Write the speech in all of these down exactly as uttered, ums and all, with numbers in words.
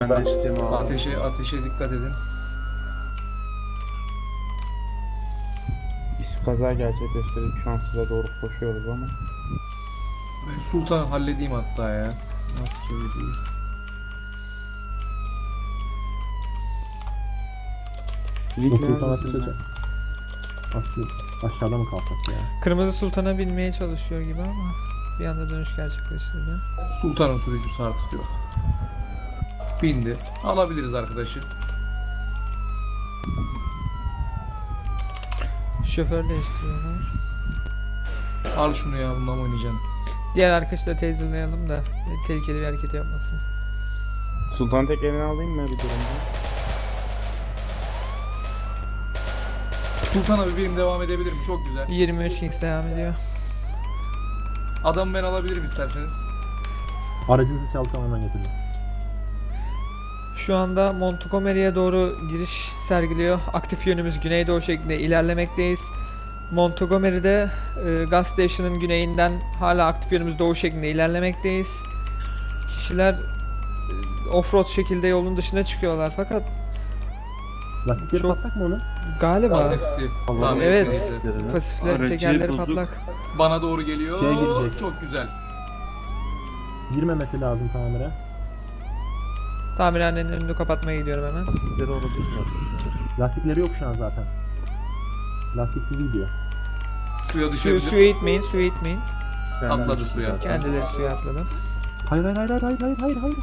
Ben de içtiğimi aldım. Ateşe, ateşe dikkat edin. Biz kaza gerçekleştirdik. Şu an size doğru koşuyoruz ama. Ben Sultan'ı halledeyim hatta ya. Nasıl ki öyle değil. Lig Bu Sultan neredesin ateşe lan? Aslında aşağıda mı kalsak ya? Kırmızı Sultan'a binmeye çalışıyor gibi ama bir anda dönüş gerçekleştirdi. Sultan'ın sürücüsü artık yok. Bindi. Alabiliriz arkadaşı. Şoför değiştiriyorlar. Al şunu ya, bundan mı oynayacaksın? Diğer arkadaşları taserlayalım da tehlikeli bir hareket yapmasın. Sultan tek eline alayım mı bir durumda? Sultan abi benim devam edebilirim. Çok güzel. yirmi üç Kings devam ediyor. Adamı ben alabilirim isterseniz. Aracınızı çalsam hemen getiririm. Şu anda Montgomery'e doğru giriş sergiliyor. Aktif yönümüz güneydoğu şeklinde ilerlemekteyiz. Montgomery'de e, gas station'ın güneyinden hala aktif yönümüz doğu şeklinde ilerlemekteyiz. Kişiler e, offroad şekilde yolun dışına çıkıyorlar fakat Lastikleri Çok- patlak mı onun? galiba Pasifti. Tamam, Evet. neyse. pasiflerin Aracı tekerleri bozuk. patlak. Bana doğru geliyor. Şeye girecek. Çok güzel. Girmemesi lazım tamire. Tamirhanenin önünü kapatmaya gidiyorum hemen. Lastikleri olabilir mi? Lastikleri yok şu an zaten. Lastiksiz gidiyor. Suya Su, düşebilir. suya itmeyin, suya itmeyin. Atladı suya. Kendileri suya atladı. Hayır hayır hayır hayır hayır hayır hayır.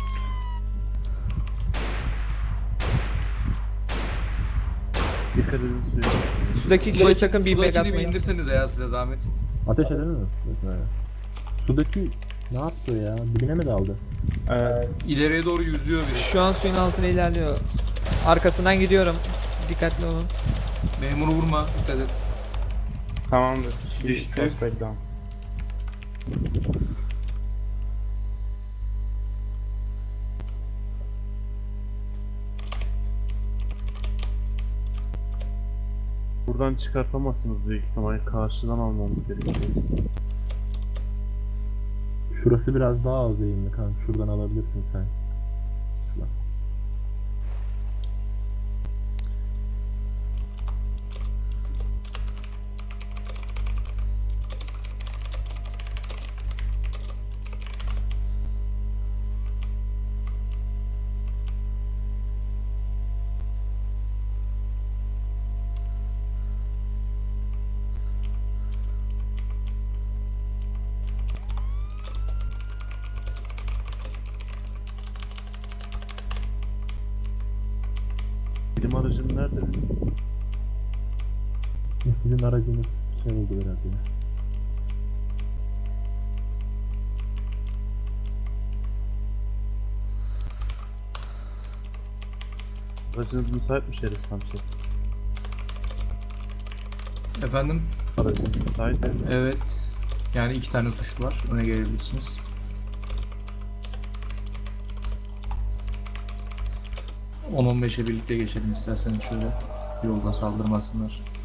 Dikkat edin suya. Sudaki kişiye sakın bir bag Sudakini bir atmayın. indirsenize ya, size zahmet. Ateş edelim mi? Mesela. Sudaki ne yaptı ya? Dibine mi daldı? Evet. İleriye doğru yüzüyor biri. Şu an suyun altına ilerliyor. Arkasından gidiyorum. Dikkatli olun. Memuru vurma. Dikkat et. Tamamdır. Şimdi Düştü. suspect down. Buradan çıkartamazsınız büyük ihtimalle. Karşıdan almamız gerekiyor. Şurası biraz daha az eğimli kanka. Şuradan alabilirsin sen. Şuradan. Bilim aracın nerede? Sizin aracınız şey oldu biraz ya. Aracınız müsait mi Şerif Samşet? Efendim? Aracınız müsait mi? Evet. Yani iki tane suçlu var. Öne gelebilirsiniz. on on beşe birlikte geçelim isterseniz şöyle. Yolda saldırmasınlar.